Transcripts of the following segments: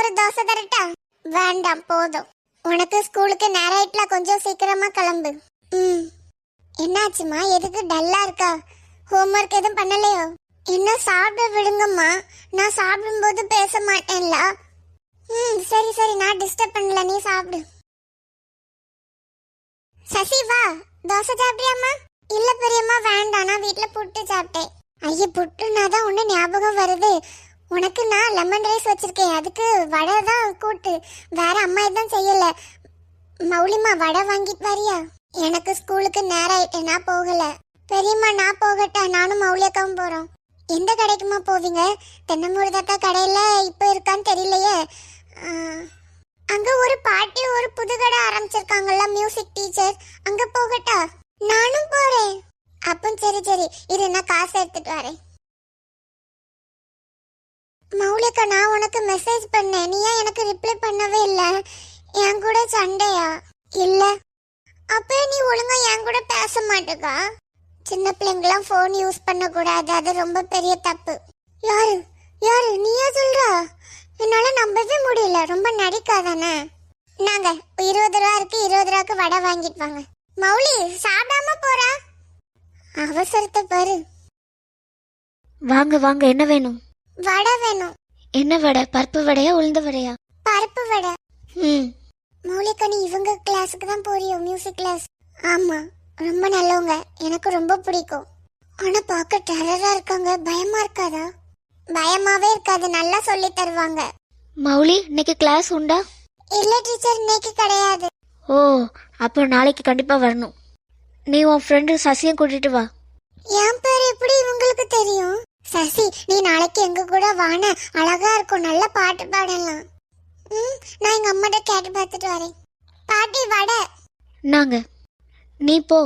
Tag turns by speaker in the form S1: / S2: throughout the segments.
S1: ஒரு தோசை தரட்டா? வேண்டாம், போதும். உனக்கு ஸ்கூலுக்கு நேரம் ஆயிட்டல, கொஞ்சம் சீக்கிரமா கிளம்பு. என்னாச்சுமா, எதுக்கு டல்லா இருக்கா? ஹோம்ஒர்க் எதுவும் பண்ணலையோ? என்ன சாப்பிட விடுங்கம்மா, நான் சாப்பிடும்போது பேச மாட்டேன்ல. சரி சரி, நான் டிஸ்டர்ப் பண்ணல, நீ சாப்பிடு. சசி வா, தோசை சாப்பிட்டியாம்மா? இல்ல பெரியம்மா, வேண்டாம், நான் வீட்டுல புட்டு சாப்பிட்டேன். ஐயா, புட்டுனா தான் ஒண்ணு ஞாபகம் வருது. உனக்கு நான் லெமன் ரைஸ் வச்சிருக்கேன், அதுக்கு வடை தான் கூட்டு. வேற அம்மா எதுவும் செய்யல. மௌலிமா, வடை வாங்கிட்டு வரியா? எனக்கு ஸ்கூலுக்கு நேரம் ஆயிட்டு, நான் போகல. பெரியம்மா, நான் போகட்டா? நானும் மௌலியக்காவும் போறோம். எந்த கடைக்குமா போவீங்க? தென்னமுருதாக்கா கடையில இப்ப இருக்கான்னு தெரியலையே. அங்க ஒரு பாட்டி ஒரு புது கடை ஆரம்பிச்சிருக்காங்கல்ல, மியூசிக் டீச்சர், அங்க போகட்டா? நானும் போறேன். அப்போ சரி சரி, இரு, நான் காசு எடுத்துட்டு வரேன். மௌலிகா, நான் உனக்கு மெசேஜ் பண்ணேன், நீ ஏன் எனக்கு ரிப்ளை பண்ணவே இல்ல? என் கூட சண்டையா? இல்ல. அப்ப நீ ஒழுங்கா என் கூட பேச மாட்டேக்கா? சின்ன பிள்ளைங்களாம் போன் யூஸ் பண்ண கூடாது, அது ரொம்ப பெரிய தப்பு. யாரு யாரு நீயா சொல்றா? என்னால நம்பவே முடியல, ரொம்ப நடிக்காதானே. நாங்க 20 ரூபா இருக்கு, 20 ரூபாய்க்கு வடை வாங்கிட்டு வாங்க. மௌலி, சாப்பிடாம போறா, அவசரத்தை பாரு.
S2: வாங்க வாங்க, என்ன வேணும்?
S1: வடை வேணும். என்ன வடை? பருப்பு வடையா உளுந்த வடையா? பருப்பு வடை. மௌலிகா, நீ இவங்க கிளாஸுக்கு தான் போறியோ, மியூசிக் கிளாஸ்? ஆமா, ரொம்ப நல்லவங்க, எனக்கு ரொம்ப பிடிக்கும். ஆனா பார்க்க டெரரா இருக்காங்க, பயமா இருக்காதா? பயமாவே இருக்காது, நல்லா சொல்லி தருவாங்க.
S2: மௌலி, இன்னைக்கு கிளாஸ் உண்டா?
S1: இல்ல டீச்சர், இன்னைக்கு கிடையாது.
S2: ஓ, அப்போ நாளைக்கு கண்டிப்பா வரணும். நீ உன் ஃப்ரெண்டு சசியை கூட்டிட்டு வா.
S1: என் பேர் எப்படி இவங்களுக்கு தெரியும்? சசி, நீ நாளைக்கு எங்க கூட வான, அழகா இருக்கும், நல்ல பாட்டு பாடலாம். நான் எங்க அம்மாட்ட கேட்டு பார்த்துட்டு வரேன். பாட்டி, வடை.
S2: நாங்க, நீ போ.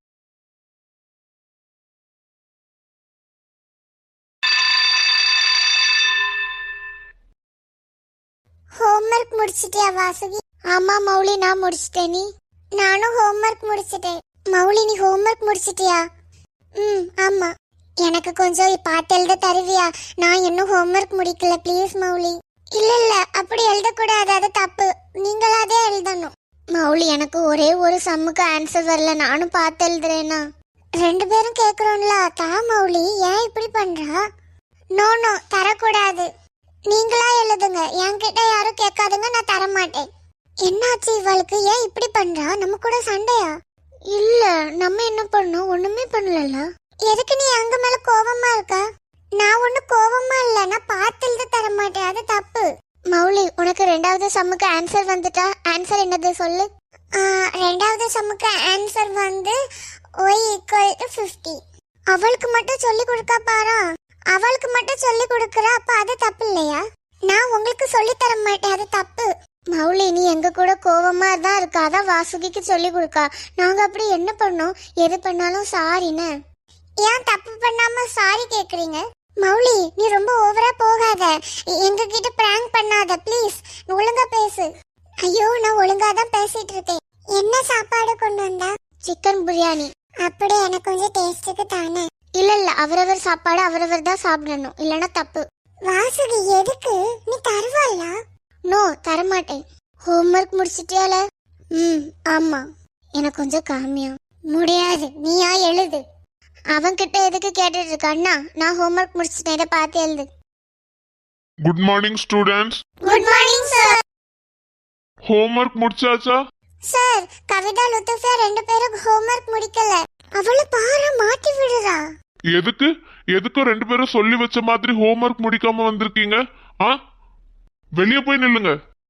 S1: ஹோம்ஒர்க் முடிச்சிட்டியா வாசுகி? ஆமா மௌலி, நான் முடிச்சிட்டேன். நீ? நானும் ஹோம்ஒர்க் முடிச்சிட்டேன். மௌலி, நீ ஹோம்ஒர்க் முடிச்சிட்டியா? ஆமா. எனக்கு கொஞ்சம் பார்த்து எழுத தருவியா? நான் இன்னும் ஹோம்ஒர்க் முடிக்கல, ப்ளீஸ் மௌலி. இல்ல இல்ல, அப்படி எழுதக்கூடாது, அது தப்பு. நீங்களாதே எழுதணும். மௌலி, எனக்கு ஒரே ஒரு சம்முக்கு ஆன்சர் வரல, நானும் பார்த்து எழுதுறேனா? 2 பேரும் கேக்குறோம்ல, தா மௌலி, ஏன் இப்படி பண்றா? நோ நோ, தரக்கூடாது. நீங்களா எழுதுங்க, என்கிட்ட யாரும் கேட்காதுங்க, நான் தர மாட்டேன். என்னாச்சு இவளுக்கு, ஏன் இப்படி பண்றா? நம்ம கூட சண்டையா? இல்ல, நம்ம என்ன பண்ணோம்? ஒண்ணுமே பண்ணல. எதுக்கு நீ அங்க மேல கோவமா இருக்கா? நான் ஒண்ணு கோவமா இல்ல, நான் பார்த்து எழுத தர மாட்டேன், அது தப்பு. மௌலி, உனக்கு 2வது சம்முக்கு ஆன்சர் வந்துட்டா? ஆன்சர் என்னது சொல்லு. 2வது சம்முக்கு ஆன்சர் வந்து y = 50. அவளுக்கு மட்டும் சொல்லி கொடுக்கா பாரா. அவளுக்கு மட்டும் சொல்லி கொடுக்கறா, அப்ப அது தப்பு இல்லையா? நான் உங்களுக்கு சொல்லி தர மாட்டேன், அது தப்பு. மௌலி, நீ எங்க கூட கோவமா தான் இருக்கா, அதான் வாசுகிக்கு சொல்லி கொடுக்கா. நாங்க அப்படி என்ன பண்ணோம்? எது பண்ணாலும் சாரின்னு. ஏன் தப்பு பண்ணாம சாரி கேக்குறீங்க? மௌலி, நீ ரொம்ப ஓவரா போகாத, எங்க கிட்ட பிராங்க் பண்ணாத ப்ளீஸ், ஒழுங்கா பேசு. ஐயோ, நான் ஒழுங்கா தான் பேசிட்டு இருக்கேன். என்ன சாப்பாடு கொண்டு வந்தா? சிக்கன் பிரியாணி. அப்படியே எனக்கு கொஞ்சம் டேஸ்டுக்கு தானே. இல்ல இல்ல, அவரவர் சாப்பாடு அவரவர் தான் சாப்பிடணும், இல்லனா தப்பு. வாசுகி, எதுக்கு? நீ தருவாளா? நோ, தரமாட்டேன். ஹோம்ஒர்க் முடிச்சிட்டியால? ஆமா. எனக்கு கொஞ்சம் காமியா? முடியாது, நீயா எழுது. அவன்கிட்ட எதுக்கு கேட்டுட்டு இருக்க? அண்ணா, நான் ஹோம்ஒர்க் முடிச்சிட்டேன், இதை பார்த்து எழுது.
S3: Good morning students.
S1: Good morning sir.
S3: Homework முடிச்சாச்சா?
S1: சார், கவிதா லுத்துஃபியா 2 பேரும் ஹோம்ஒர்க் முடிக்கல. அவள பாரு, மாட்டி விடுறா.
S3: எதுக்கு எதுக்கு 2 பேரும் சொல்லி வச்ச மாதிரி ஹோம்ஒர்க் முடிக்காம வந்திருக்கீங்க? வெளியே போய் நில்லுங்க.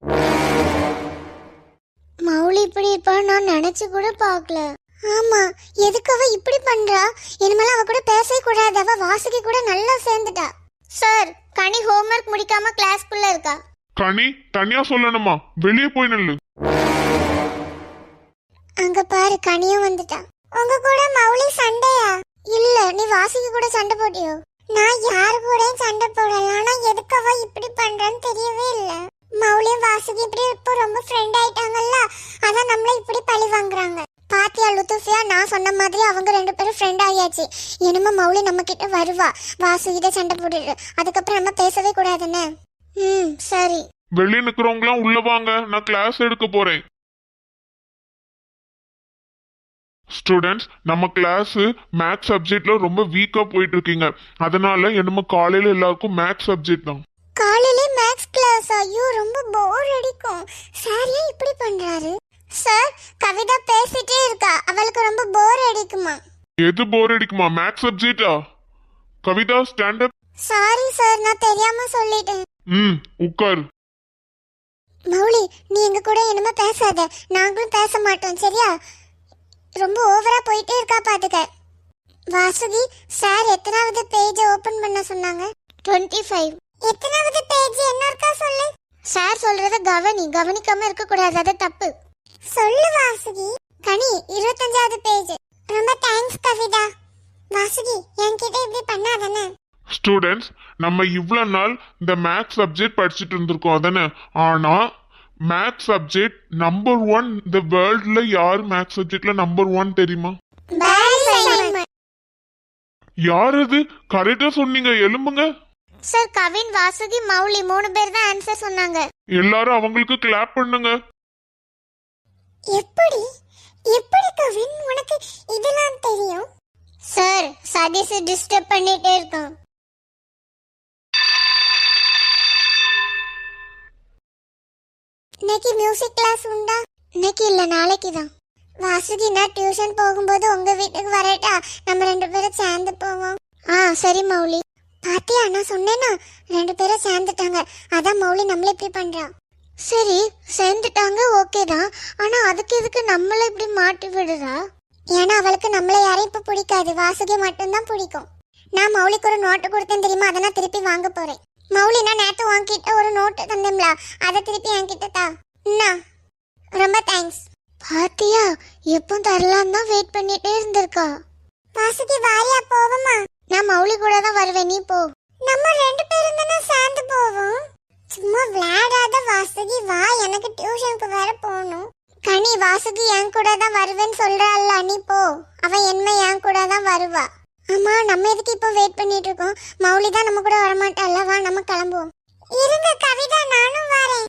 S1: மௌலி இப்படி இருப்பா நான் நினைச்சு கூட பார்க்கல. ஆமா, எதுக்கு அவ இப்படி பண்றா? இனிமேல அவ கூட பேசவே கூடாது, அவ வாசுகி கூட நல்லா சேர்ந்துட்டா. சார், கனி ஹோம்ஒர்க் முடிக்காம கிளாஸ்க்குள்ள இருக்கா.
S3: கனி, தனியா சொல்லணுமா? வெளியே போய் நில்லு.
S1: அங்க பாரு, கனியும் வந்துட்டா. உங்க கூட மௌலி சண்டையா? இல்ல, நீ வாசுகி கூட சண்டை போட்டியோ? நான் யாரு கூடயும் சண்டை போடல, ஆனா எதுக்கு அவ இப்படி பண்றான்னு தெரியவே இல்ல. மௌலியும் வாசுகி இப்படி இப்போ ரொம்ப ஃப்ரெண்ட் ஆயிட்டாங்கல்ல, அதான் நம்மள இப்படி பழி வாங்குறாங்க. பாத்தியா லுத்துஃபியா, நான் சொன்ன மாதிரி அவங்க 2 பேரும் ஃப்ரெண்ட் ஆயாச்சு. இனிமே மௌலி நம்ம கிட்ட வருவா, வாசுகிட்ட சண்டை போட்டுட்டு, அதுக்கப்புறம் நம்ம பேசவே கூடாதுன்னு. சரி.
S3: வெளியே நிக்கிறவங்களாம் உள்ள வாங்க, நான் கிளாஸ் எடுக்க போறேன். ஸ்டூடெண்ட்ஸ், நம்ம கிளாஸ் மேக்ஸ் சப்ஜெக்ட்ல ரொம்ப வீக்கா போயிட்டு இருக்கீங்க. அதனால என்னமோ காலையில எல்லாருக்கும் மேக்ஸ் சப்ஜெக்ட் தான்.
S1: காலையில மேக்ஸ் கிளாஸ்? ஐயோ, ரொம்ப போர் அடிக்கும். சார் ஏன் இப்படி பண்றாரு? சார், கவிதா பேசிட்டே இருக்கா, அவளுக்கு ரொம்ப போர் அடிக்குமா?
S3: எது போர் அடிக்குமா? மேக்ஸ் சப்ஜெக்டா? Kavitha, stand up.
S1: Sorry sir, நான் தெரியாம சொல்லிட்டேன்.
S3: உட்கார்.
S1: மௌலி, நீ எங்க கூட என்னமா பேசாத, நாங்களும் பேச மாட்டோம், சரியா? ரொம்ப ஓவரா போயிட்டே இருக்கா பாத்துக்க. வாசுகி, சார் எத்தனாவது பேஜ் ஓபன் பண்ண சொன்னாங்க? 25. எத்தனாவது பேஜ் என்ன இருக்கா சொல்லு. சார் சொல்றத கவனிக்காம இருக்க கூடாது, அது தப்பு. சொல்லு வாசுகி. கனி, 25வது பேஜ். ரொம்ப தேங்க்ஸ் கவிதா. வாசுகி, என்கிட்ட இப்படி பண்ணாதானே?
S3: ஸ்டூடெண்ட்ஸ், நம்ம இவ்வளவு நாள் இந்த மேக்ஸ் சப்ஜெக்ட் படிச்சுட்டு இருந்திருக்கோம் அதானே? ஆனா மேக்ஸ் சப்ஜெக்ட் நம்பர் 1 இந்த வேர்ல்ட்ல யார் மேக்ஸ் சப்ஜெக்ட்ல நம்பர் 1 தெரியுமா? யார் அது? கரெக்டா சொன்னீங்க, எலும்புங்க.
S1: சார், கவின், வாசுகி, மௌலி 3 பேர் தான் ஆன்சர் சொன்னாங்க.
S3: எல்லாரும் அவங்களுக்கு கிளாப் பண்ணுங்க.
S1: எப்படி எப்படி கவின் உனக்கு இதெல்லாம் தெரியும்? சார், சதீஷ் டிஸ்டர்ப் பண்ணிட்டே இருக்கான். இன்னைக்கு மியூசிக் கிளாஸ் உண்டா? இன்னைக்கு இல்ல, நாளைக்கு தான். வாசுகி, நான் டியூஷன் போகும்போது உங்க வீட்டுக்கு வரட்டா? நம்ம 2 பேரும் சேர்ந்து போவோம். சரி மௌலி. பாத்தியா, நான் சொன்னேனா 2 பேரும் சேர்ந்துட்டாங்க. அதான் மௌலி நம்மள இப்படி பண்றா. சரி, சேர்ந்துட்டாங்க, ஓகே தான். ஆனா அதுக்கு எதுக்கு நம்மள இப்படி மாட்டி விடுறா? ஏன்னா அவளுக்கு நம்மள யாரையும் இப்ப பிடிக்காது, வாசுகி மட்டும்தான் பிடிக்கும். நான் மௌலிக்கு ஒரு நோட்டு கொடுத்தேன் தெரியுமா, அதை நான் திருப்பி வாங்க போறேன். மௌலி, நான் நேத்து உன்கிட்ட ஒரு நோட்டு தந்தேன்ல, அதை திருப்பி என்கிட்ட தா. ரொம்ப தேங்க்ஸ். பாத்தியா, எப்போ தரலாம் தான் வெயிட் பண்ணிட்டே இருந்திருக்கா. வாசுகி, வாரியா போவோமா? நான் மௌலி கூட தான் வருவேன், நீ போ. நம்ம 2 பேரும் தானே சேர்ந்து போவோம். சும்மா விளையாடாத வாசுகி, வா, எனக்கு டியூஷனுக்கு வேற போகணும். கனி, வாசுகி என் கூட தான் வருவேன்னு சொல்றாள்ல, நீ போ. அவ என்ன என் கூட தான் வருவா. ஆமா, நம்ம எதுக்கு இப்போ வெயிட் பண்ணிட்டு இருக்கோம்? மௌலி தான் நம்ம கூட வரமாட்டாள்ல, வா நம்ம கிளம்புவோம். இருங்க கவிதா, நானும் வரேன்.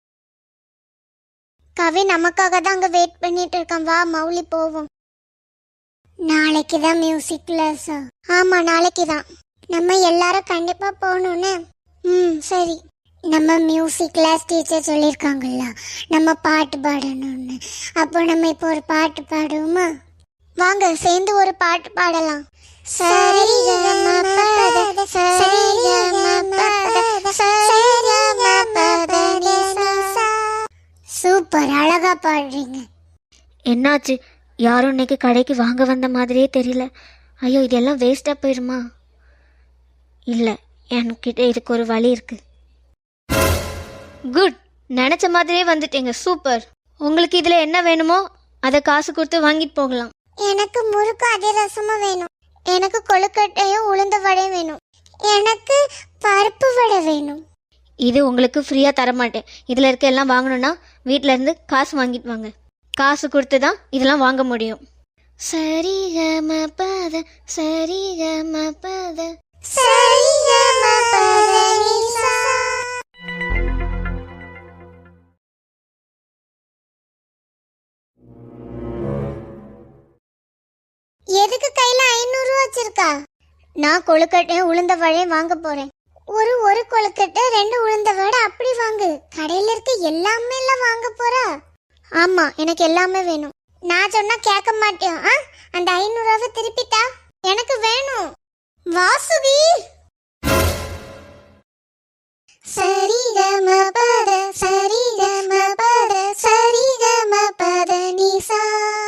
S1: கவி நமக்காக தான் அங்க வெயிட் பண்ணிட்டு இருக்கான், வா மௌலி போவோம். நாளைக்கு தான் மியூசிக் கிளாஸா? ஆமா, நாளைக்கு தான். நம்ம எல்லாரும் கண்டிப்பா போகணும்னு. சரி. நம்ம மியூசிக் கிளாஸ் டீச்சர் சொல்லியிருக்காங்கல்ல, நம்ம பாட்டு பாடணும்னு. அப்போ நம்ம இப்போ ஒரு பாட்டு பாடுவோமா? வாங்க, சேர்ந்து ஒரு பாட்டு பாடலாம். சரி கம பத சரி கம பத சரி கம பத நீ சா. சூப்பர், அழகா பாடுறீங்க.
S2: என்னாச்சு? யாரும் இன்னைக்கு கடைக்கு வாங்க வந்த மாதிரியே தெரியல. ஐயோ, இதெல்லாம் வேஸ்ட்டாக போயிருமா? இல்லை, என்கிட்ட இதுக்கு ஒரு வழி இருக்கு. குட், நினச்ச மாதிரியே வந்துட்டீங்க, சூப்பர். உங்களுக்கு இதில் என்ன வேணுமோ அதை காசு கொடுத்து வாங்கிட்டு போகலாம்.
S1: எனக்கு முறுக்கு அதிரசமும் வேணும். எனக்கு கொழுக்கட்டையும் உளுந்த வடையும் வேணும். எனக்கு பருப்பு வடை வேணும்.
S2: இது உங்களுக்கு ஃப்ரீயாக தரமாட்டேன். இதில் இருக்க எல்லாம் வாங்கணும்னா வீட்டில் இருந்து காசு வாங்கிட்டு வாங்க. காசு கொடுத்து தான் இதெல்லாம் வாங்க முடியும். சரி கம பத சரி கம பத
S1: சரி கம பத நீ சா. எதுக்கு கையில 500 ரூபா வச்சிருக்கா? நான் கொழுக்கட்டையும் உளுந்த வடையும் வாங்க போறேன். ஒரு கொழுக்கட்டை 2 உளுந்த வடை அப்படி வாங்கு. கடையில இருக்க எல்லாமே எல்லாம் வாங்க போறா? ஆமா, எனக்கு எல்லாமே வேணும். நான் சொன்னா கேட்க மாட்டேன். அந்த 500 ரூபாவை திருப்பிட்டா. எனக்கு வேணும். வாசுகி, சரி கம பத சரி கம பத சரி கம பத நீ சா.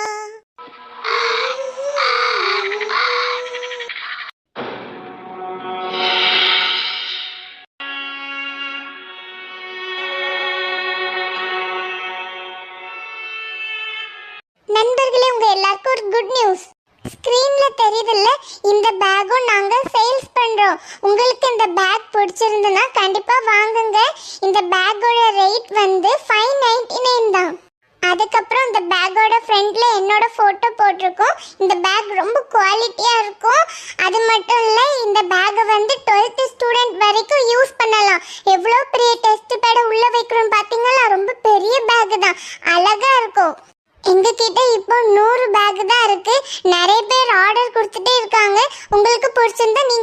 S1: நண்பர்களே, உங்க எல்லாருக்கும் ஒரு குட் நியூஸ். ஸ்கிரீன்ல தெரியுதுல்ல, இந்த பேக்கும் நாங்க சேல்ஸ் பண்றோம். உங்களுக்கு இந்த பேக் பிடிச்சிருந்ததுன்னா கண்டிப்பா வாங்குங்க. இந்த பேக்கோட ரேட் வந்து 599 தான். அதுக்கப்புறம் இந்த பேக்கோட ஃப்ரண்ட்ல என்னோட போட்டோ போட்டிருக்கோம். இந்த பேக் ரொம்ப குவாலிட்டியா இருக்கும். அது மட்டும் இல்ல, இந்த பேக்கை வந்து 12th ஸ்டூடெண்ட் வரைக்கும் யூஸ் பண்ணலாம். எவ்வளோ பெரிய டெஸ்ட் பேட உள்ள வைக்க நிறைய பேர் ஆர்டர் கொடுத்துட்டே இருக்காங்க. உங்களுக்கு பிடிச்சிருந்தா நீங்க